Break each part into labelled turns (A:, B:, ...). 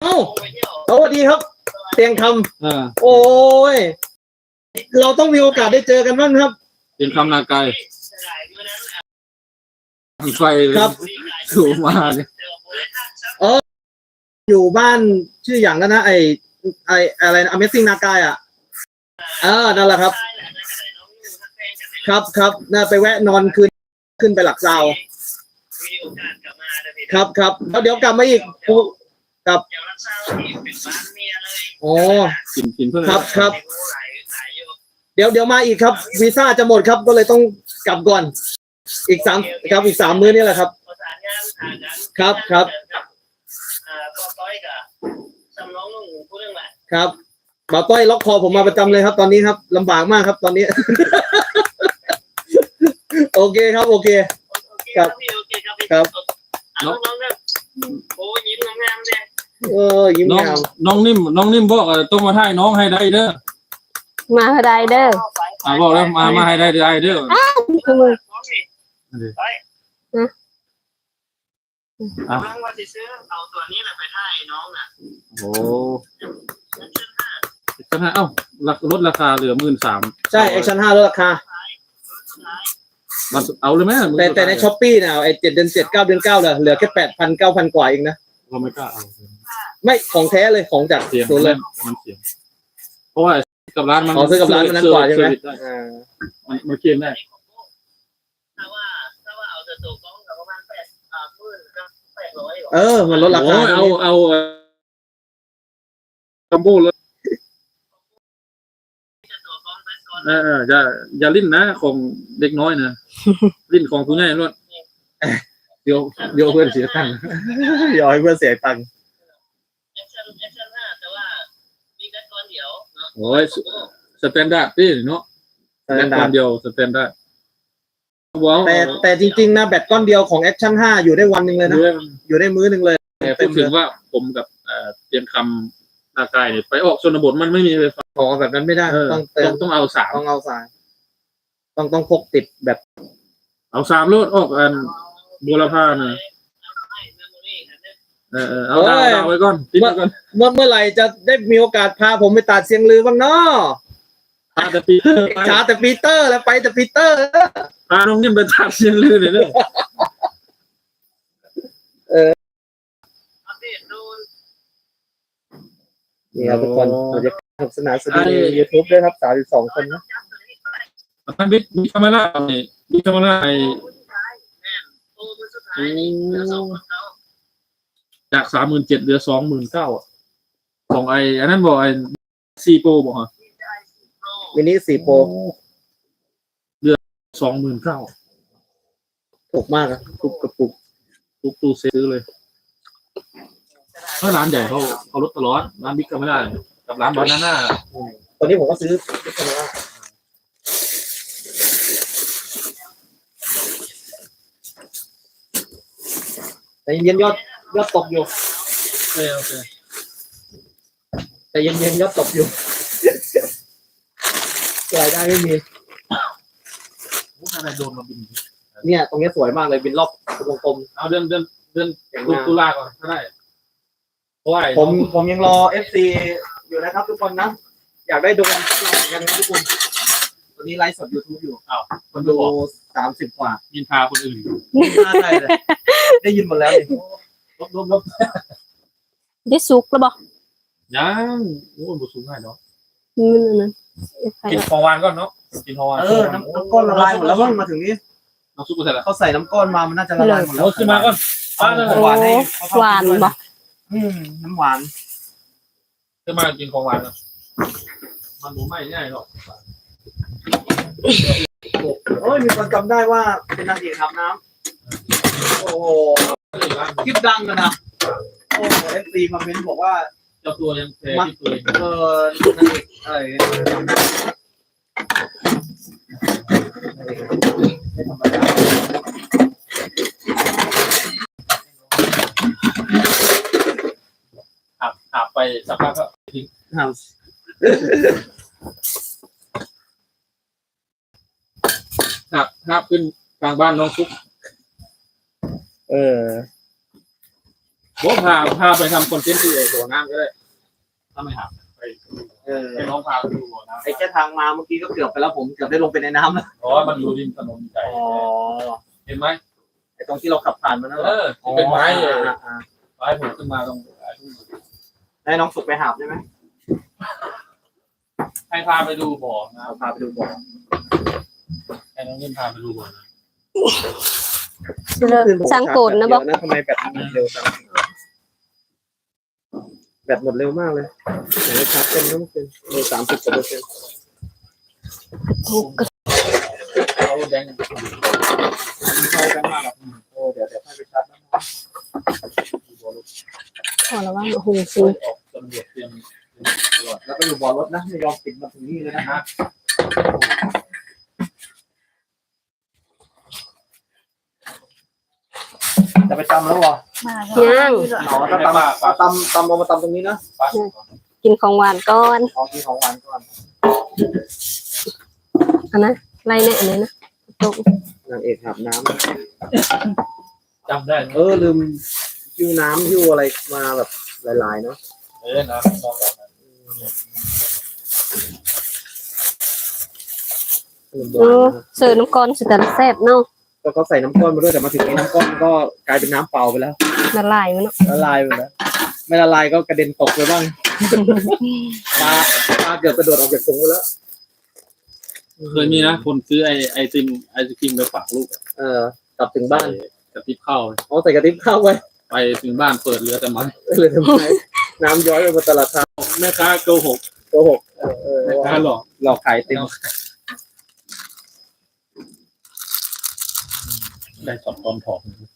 A: เอ้าสวัสดีครับเตียงคำโอ้ยเราต้องมีโอกาสได้เจอกันบ้างครับ
B: เตียงคำนาไกลไฟ
A: ครับ
B: สูงมาเนี่ย
A: อยู่บ้านชื่ออย่างนั้นนะไออะไรนะ Amazing นากายนั่นแหละครับครับน่าไปแวะนอนคืนขึ้นไปหลักซาวครับแล้วเดี๋ยวกลับมาอีกครับโอ้
B: กินเพื่อน
A: ครับเดี๋ยวมาอีกครับวีซ่าจะหมดครับก็เลยต้องกลับก่อนอีก3มื้อนี่แหละครับครับบ่าวต้อยล็อกคอผมมาประจำเลยครับตอนนี้ครับลำบากมากครับตอนนี้ โอเคครับโอเคครับ
C: น้องเนี่ยโอ้ยิ้มงามเลย
A: ยิ้มงาม
B: น้องนิ่มบอกต้องมาถ่ายน้องให้ได้เด้อ
D: มาให้ได้เด้อ
B: บอกแล้วมาให้ได้เด้อ
D: คือมือ
C: น้องว่าจะซื้อเอาตัวนี้แหละไปถ่ายน้องน่ะ
B: โอ้ชั้น5เอ้าลดราคาเหลือ 13,000
A: ใช่Action 5ลดราคา
B: เอาเลยไหม
A: แต่ใน Shopee เนี่ยไอ้7 เดือน 7 9 เดือน 9เหลือแค่ 8,000 9,000 กว่าเองนะ
B: เราไม่กล้าเอา
A: ไม่ของแท้เลยของจากศูนย์เลย
B: มันเสียเพราะว่ากับร้านมัน
A: ซื้อกับร้านมันนั้นกว่าใช่ไหม
B: มันเคียนได้
C: ถ้าว่าเอาแต่ตัวกล้องกับประมาณ
A: 800มันลดราคา
B: เอาคัมโบเลยอย่าลิ้นนะของเด็กน้อยนะลิ้นของผู้ใหญ่ล้วนเดี๋ยวเพื่อนเสียตังค์
A: อย่าให้เพื่อนเสียตังค์
C: Action 5แต่ว่ามีแค่ก้อนเดียวเนาะ
B: โอ้ยสแตนดาร์ดพี่เนาะแบตก้อนเดียวสแตนดาร์ด
A: แต่จริงๆนะแบตก้อนเดียวของ Action 5อยู่ได้วันนึงเลยนะอยู่ได้มื้อนึงเลย
B: แต่พูดถึงว่าผมกับเตรียมคำนาไกเนี่ยไปออกชนบทมันไม่มีไฟฟ้า
A: แบบนั้นไม่ได้
B: ต้องเอา3
A: ต้องเอา3ต้องพกติดแบบ
B: เอา3โลดออกบูรพาเนี่ยเอาดาวไว้ก่อน
A: เมื่อไหร่จะได้มีโอกาสพาผมไปตัดเสียงลือบ้างเนาะ
B: แต่ปีเตอร์
A: แล้วไปแต่ปีเตอร์
B: พาน้องนิ่มไปตัดเสียงลือเลย
A: นี่ครับทุกคนเราจะสนุกสนานสนุกใน YouTube ด้วยครับ32 คนนะ
B: ท่านมีคาเมล่ามีคาเมล่าจาก37,000เหลือ29,000ของอันนั้นบอก4 Pro บอกฮะ
A: มินิ4 Pro
B: เหลือ29,000
A: ถูกมากครับทุกกระปุก
B: ทุกตู้ซื้อเลยถ้าร้านใหญ่เขาลดตลอดร้านบิ๊กก็ไม่ได้กับร้านบานาน่า
A: ตอนนี้ผมก็ซื้อบิ๊กก็ไม่ได้แต่เย็นยอดตกอยู่
B: โอเค
A: แต่เย็นยอดตกอยู่รายได้ไม่มี
B: อะไรโดนมาบิน
A: เนี่ยตรงนี้สวยมากเลยบินรอบวงกลม
B: เอาเดือนตุลาก่อนก็ได้เพราะว่า
A: ผมยังรอ FC อยู่นะครับทุกคนนะอยากได้ดูกันนะทุกคนตอนนี้ไลฟ์สด YouTube อยู่คนดู30 กว่า
B: ยินพาคนอื่น
A: ยินพาได้เลยได้ยินหมดแล้ว
B: ลบ
D: ได้สุกแล้วบ่
B: ยังโอ้บุสูงง่ายเนาะ
D: กิ
B: นของหวานก่อนเนาะกินของหวาน
A: น้ำก้อนละลายหมดแล้วมั้งมาถึงนี้
B: น้ำซุปก็เสร็จแล้ว
A: เขาใส่น้ำก้อนมามันน่าจะละลายหมดแล้ว
B: ขึ้นมาก่อน
A: หวานให้
D: หวานบ่
A: น้ำหวาน
B: ขึ้นมากินของหวานนะมันหมูไม่ง่ายหรอก
A: โอ้ยมีคนจำได้ว่าเป็นนางเอกอาบน้ำโอ้คลิปดังกันนะโอ้FC คอมเมนต์บอกว่า
B: เจ้าตัวยังแพ้ที่ตัวเอง
A: นางเอกอะไรไม่ธรรมดา
B: อาบไปสักพักก็ทิ้งอาบขึ้นกลางบ้านน้องซุกผมพาไปทำคอนเทนต์ที่บ่อน้ำก็ได้ถ้าไม่หักไปให้น้องพาไปดูบ่อน้ำ
A: ไอ้แค่ทางมาเมื่อกี้ก็เกือบไปแล้วผมเกือบได้ลงไปในน้ำแล้ว
B: เพราะว่ามันอยู่ริมถนนใหญ่เห็นไหม
A: ไอ้ตรงที่เราขับผ่านมันนั่นแหละ
B: ที่เป็นไม้เลย
A: อ่า
B: ไม้ผมขึ้นมาตรง
A: ได้น้องสุกไปหาบได้ไหม
B: ให้พาไปดูบ่อนะ
A: เอาพาไปดูบ่อ
B: ให้น้องเล่นพาไปดูบ่อนะ
D: สร้างโกนนะบอก
A: เดี๋ยวทำไมแบตมันหมดเร็วจังแบตหมดเร็วมากเลยไหนชาร์จเต็มแล้วเมื่อคืนเลย30%
B: เขาแดงเขาแดงมากครับ
A: โอ้เดี๋ยวให้ไปชาร์จนะ
D: พอแล้วว่าโอ้โห
B: ออกตำรวจเตรียม
A: แล้วก็อยู่บ่อรถนะไม่ยอมปิดมาถึงนี่เลยนะฮะจะไปตำแล้ววะ
D: ย่าง
A: อ๋อถ้าตำเอามาตำตรงนี้นะ
B: ปัด
D: กินของหวานก่อน
A: เอาที่ของหวานก่อน
D: อันนะไรเนี่ยอันนี้นะตก
A: นางเอกอาบน้
B: จำได้
A: ำลืมหิ้วน้ำหิ้วอะไรมาแบบหลายๆเนาะ
B: นะมอง
A: ขนมหวานนะครับ
D: เสิร์ฟน้ำก้อนสุดแต่ละแซ่บเนาะ
A: ก็เขาใส่น้ำก้อนมาด้วยแต่มาถึงนี้น้ำก้อนก็กลายเป็นน้ำเปล่าไปแล้ว
D: ละลายมันเนาะ
A: ละลายไปแล้วไม่ละลายก็กระเด็นตกไปบ้างปลาเกือบกระโดดออกจากถุงไปแล้ว
B: เคยมีนะคนซื้อไอศครีมไปฝากลูก
A: กลับถึงบ้าน
B: กระติบข้าว
A: เอาใส่กระติบข้าวไว้
B: ไปถึงบ้านเปิดเรือแต่มัน
A: เลยทำไมน้ำย้อยไปบนตลาดทาง
B: แม่ค้าโกหก
A: โกหก
B: แม่ค้าหลอก
A: หลอกขายติม
B: ได้สอบตอนถอด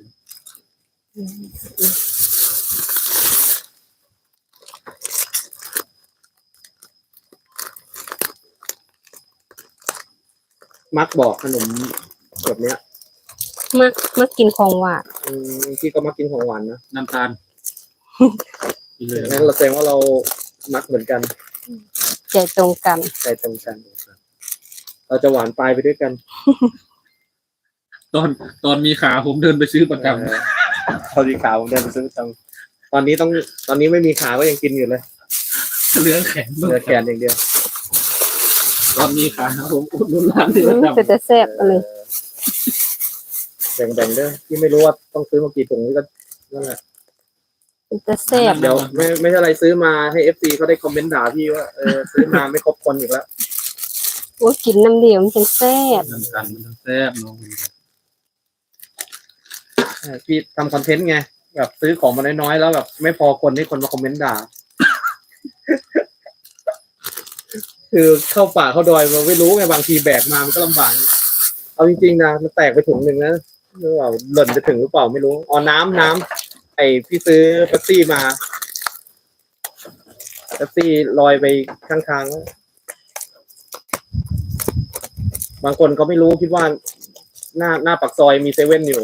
A: มักบอกขนมแบบเนี้ย
D: มากินของหวาน
A: พี่ก็มักกินของหวานนะ
B: น้ำตาลกินเลย
A: งั้นเราแสดงว่าเรามักเหมือนกัน
D: ใจตรงกัน
A: ใจตรงกันเราจะหวานปลายไปด้วยกัน
B: ตอนมีขาผมเดินไปซื้อประจ
A: พอดีขาผมเดินไปซื้อประจำตอนนี้ไม่มีขาก็ยังกินอยู่เลย
B: ำเรือแข็ง
A: เหลือแขนอย่างเดียว
B: ตอนมีขาผมอุดหนุนร้านที่ประจำ
D: เป็นแต่แซ่บเอะไร
A: แบ่งๆเด้อที่ไม่รู้ว่าต้องซื้อมากี่ถุงนี่ก็นั่นแหละ
D: เป็นแต่แซ่บ
A: เดี๋ยวไม่ใช่อะไรซื้อมาให้FCเขาได้คอมเมนต์ด่าพี่ว่าซื้อมาไม่ครบคนอีกแล้ว
D: โอ้ยกินน้ำเดียวมันจังแซ่บ
B: น้ำตาลมันแซ่บน้อง
A: พี่ทำคอนเทนต์ไงแบบซื้อของมาน้อยๆแล้วแบบไม่พอคนให้คนมาคอมเมนต์ด่า คือเข้าป่าเข้าดอยมันไม่รู้ไงบางทีแบกมามันก็ลำบากเอาจริงๆนะมันแตกไปถุงหนึ่งนะไม่รู้ว่าหล่นจะถึงหรือเปล่าไม่รู้อ๋อน้ำไอพี่ซื้อเป๊ปซี่มาเป๊ปซี่ลอยไปข้างๆแล้วบางคนเขาไม่รู้คิดว่าหน้าปากซอยมีเซเว่นอยู่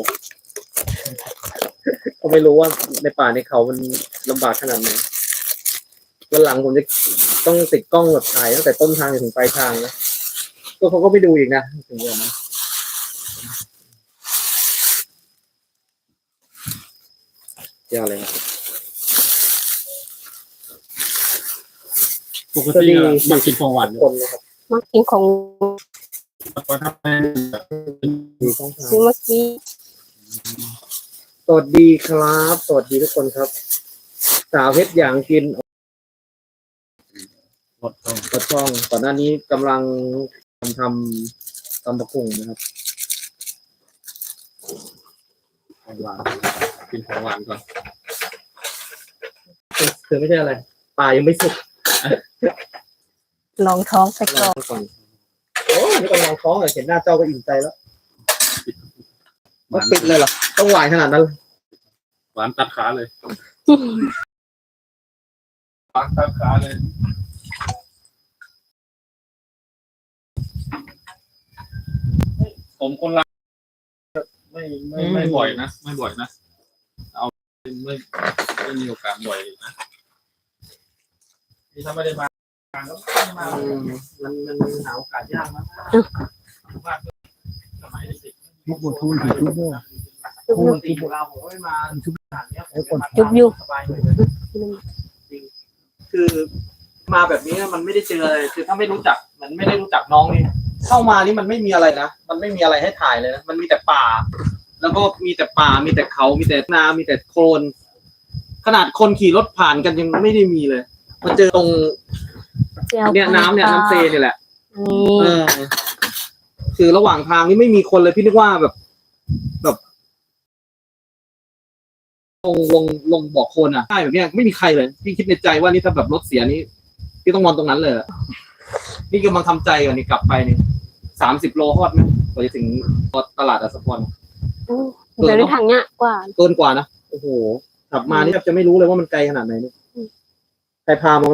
A: เขาไม่รู้ว่าในป่าในเขามันลำบากขนาดไหนวันหลังผมจะต้องติดกล้องแบบถ่ายตั้งแต่ต้นทางจนถึงปลายทางนะก็เขาก็ไม่ดูอีกนะถึงอย่างนั้นเจ้าอะไรนะ
B: ปกติมากินของหวาน
A: คนนะครับ
D: มากินของ
B: ก็ทำให้
A: มีช่องทาง
D: ซื้อเมื่อกี้
A: สวัสดีครับ สวัสดีทุกคนครับ สาวเพชรอย่างกิน
B: หมดต้อง
A: กระช่องก่อนหน้านี้กำลังทำตำบักหุ่งนะครับ
B: ของหวานกินของหวานก่อน
A: คือไม่ใช่อะไรป่ายังไม่สุก
D: ลองท้องไป
A: ร
D: ก่
A: อ
D: อน
A: ก่อนโอ้ไม่ต้องลองท้องเลยเห็นหน้าเจ้าก็อิ่มใจแล้ว
B: ห
A: ต้อ
B: วาง น
A: ปิดเลยเหรอต้องหวานขนาดนั้น
B: หวานตัดขาเลยหวานตัดขาเลยผมคนละไม่บ่อยนะไม่บ่อยนะเอาไม่มีโอกาสบ่อยนะที่ถ้าไม่ได้มาก็ไม่มา
A: มันหาโอกาสยากมาก
B: สมัยเด็ก
A: มุกบทูนถือชุดด้วย
D: จุบ
A: ปกติอยู่เราผมก็ไม่มาชุบขนาดเนี้ยผมจะมา
D: จุบอยู่
A: สบายเลยนะคือมาแบบนี้มันไม่ได้เจออะไรคือถ้าไม่รู้จักมันไม่ได้รู้จักน้องนี่เข้ามานี่มันไม่มีอะไรนะมันไม่มีอะไรให้ถ่ายเลยนะมันมีแต่ป่า แล้วก็มีแต่ป่ามีแต่เขามีแต่นามีแต่โคลนขนาดคนขี่รถผ่านกันยังไม่ได้มีเลยมาเจอตรง
D: แจ่ว
A: เนี่ยน้ำเนี่ยน้ำเซนี่แหละ
D: นี่
A: เออคือระหว่างทางนี่ไม่มีคนเลยพี่นึกว่าแบบลงบ่อโคลนอ่ะใช่แบบเนี้ยไม่มีใครเลยพี่คิดในใจว่านี่ถ้าแบบรถเสียนี่พี่ต้องนอนตรงนั้นเลยอะนี่กำลังทำใจก่อนนี่กลับไปนี่30 โลฮอดไหมกว่าจะถึงตลาดอัสสพร
D: เดี๋ยวได้ทางเนี้ยกว่า
A: เกินกว่านะโอ้โหกลับมานี่แทบจะไม่รู้เลยว่ามันไกลขนาดไหนนี่ใครพามา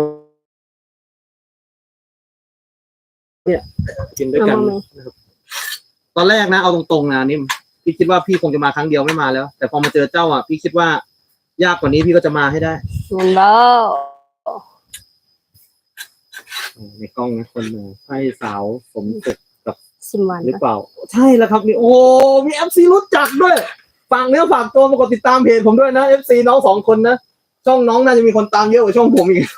A: เนี่ยกินด้วยกันนะครับตอนแรกนะเอาตรงๆนะนิ่มพี่คิดว่าพี่คงจะมาครั้งเดียวไม่มาแล้ว แต่พอมาเจอเจ้าอ่ะพี่คิดว่ายากกว่านี้พี่ก็จะมาให้ได้
D: เงินบ่
A: ในกล้องนะคนหนึ่งใช่สาวสมศุขกับ
D: สิมวัน
A: หรือเปล่า ใช่แล้วครับนี่โอ้มีFC รู้จักด้วยฝากเนื้อฝากตัวมากดติดตามเพจผมด้วยนะ FC น้อง2 คนนะช่องน้องน่าจะมีคนตามเยอะกว่าช่องผมอีก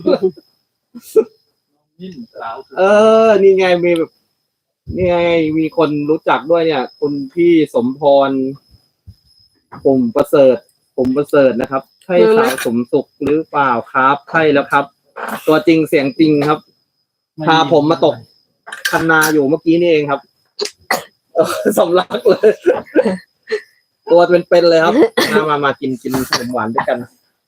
B: นิ่มสาว
A: นี่ไงมีแบบนี่ไงมีคนรู้จักด้วยเนี่ยคุณพี่สมพรปุ่มประเสริฐนะครับใช่สาวสมศุขหรือเปล่าครับใช่แล้วครับ ตัวจริงเสียงจริงครับพาผมมาตกคันนาอยู่เมื่อกี้นี่เองครับสำลักเลย ตัวเป็นๆเลยครับมากินขนมหวานด้วยกัน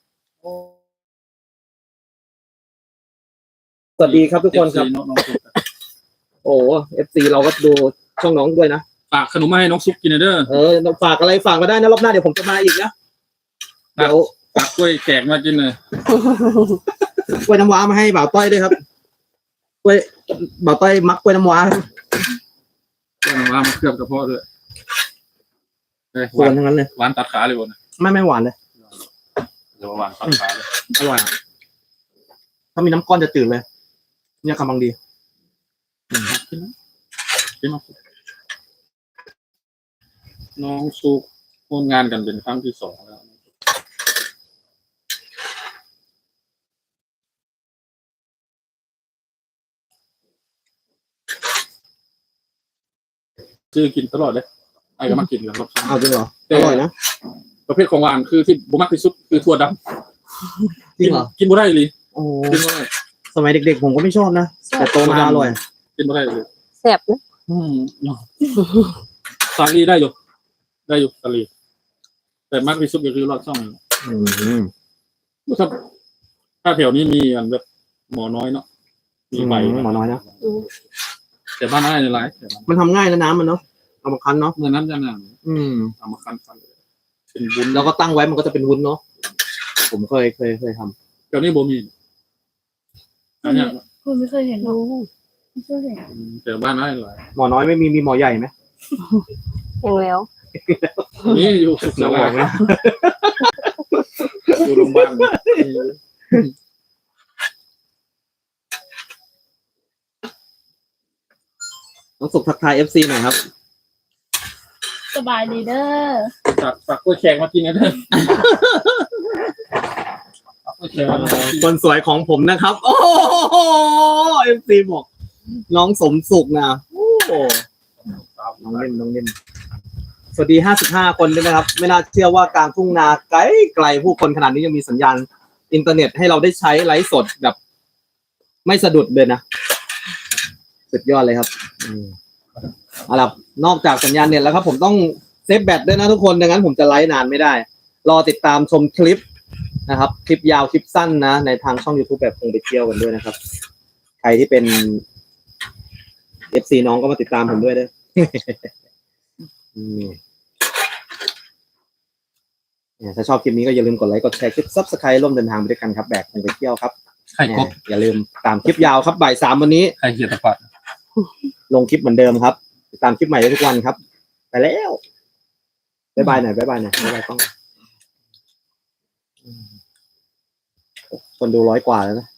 A: สวัสดีครับทุกคนครับ
B: น้องซุป
A: โอ้FC เราก็ดูช่องน้องด้วยนะ
B: ฝากขนมมาให้น้องซุปกินหน่อยเด้อ
A: ฝากอะไรฝากมาได้นะรอบหน้าเดี๋ยวผมจะมาอีกนะเดี๋ยว
B: ฝากกล้วยแขกมากินเลย
A: กล้วยน้ำว้ามาให้บ่าวต้อยด้วยครับกล้วยบ่าวต้อยมักกล้วยน้ำว้า
B: กล้วยมาเคลือบกระเพาะด้วยห
A: ส่
B: วา
A: วน นทั้งนั้นเลย
B: หวานตัดขาเลยบน
A: ไม่หวานเลย
B: เดี๋ยวหวานตัดขาเลย
A: อร่อยอะถ้ามีน้ำก้อนจะจืดเลยเนี่ยกำลังดี
B: กินน้องซุปน้องซุปร่วมงานกันเป็นครั้งที่ 2แล้วซื้อกินตลอดเลยไอ้ก็มากินกันรอบ
A: เอาจริงเหรออร่อยนะ
B: ประเภทของหวานคือที่บุมักที่สุดคือถั่วดำ
A: จริงเหรอ
B: กินบ่ได้เลย
A: โอ้
B: กินบ่ได้
A: สมัยเด็กๆผมก็ไม่ชอบนะแต่โตมาอร่อย
B: กินบ่ได้เลย
D: แซ่บนะ
B: สาลีได้อยู่สาลีแต่มากที่สุดก็คือรอดช่อง ถ้าแถวนี้มีอันแบบหมอน้อยเนาะมีใบ
A: หมอน้อยนะ
B: แต่บ้านน้อยในหลายแต่บ้าน
A: มันทำง่ายนะน้ำมันเนาะเอามาคั้นเนาะ
B: เมื่อนั้นจะนาน เอามาคั้นเป็นวุ้น
A: แล้วก็ตั้งไว้มันก็จะเป็นวุ้นเนาะผมเคยทำ
B: แถวนี้บ่มีอันเนี้ย
E: คุณไม่เคยเห็นหรอ
D: อืม
E: ไม่เคยเห็น
B: แต่บ้านน้อยหลาย
A: หมอน้อยไม่มีหมอใหญ่ไหม
D: ยังแล้ว
B: นี่อยู่สุขส
A: น้อง
B: วา
A: บอกนะ
B: อยู่โรงพยาบาล
A: น้องสุขทักทาย FC หน่อยครับ
E: สบายดีเด้อ
B: ฝากกล้วยแขกมากินกันเถอะฝากกล้วยแขกมากิน
A: คนสวยของผมนะครับ โอ้โห FC บอกน้องสมสุขนะโอ้โหน้องเล่นสวัสดี55 คนด้วยนะครับ ไม่น่าเชื่อว่ากลางทุ่งนาไกลผู้คนขนาดนี้ยังมีสัญญาณอินเทอร์เน็ตให้เราได้ใช้ไลฟ์สดแบบไม่สะดุดเลยนะสุดยอดเลยครับเอาล่ะนอกจากสัญญาณเน็ตแล้วครับ ผมต้องเซฟแบตด้วยนะทุกคนดังนั้นผมจะไลฟ์นานไม่ได้ รอติดตามชมคลิปนะครับคลิปยาวคลิปสั้นนะในทางช่อง YouTube แบบคงไปเที่ยวกันด้วยนะครับใครที่เป็น FC น้องก็มาติดตามผมด้วยเด้อ ถ้าชอบคลิปนี้ก็อย่าลืมกดไลค์กดแชร์คลิป Subscribe ร่วมเดินทางไปด้วยกันครับแบกคงไปเที่ยวครับ
B: ไข่กบ
A: อย่าลืมตามคลิปยาวครับบ่าย 3วันนี้
B: ไข่เหี่ยตะปัด
A: ลงคลิปเหมือนเดิมครับติดตามคลิปใหม่ได้ทุกวันครับ ไปแล้วบ๊ายบายหน่อยบ๊ายบายกล้องคนดู100 กว่าแล้วนะ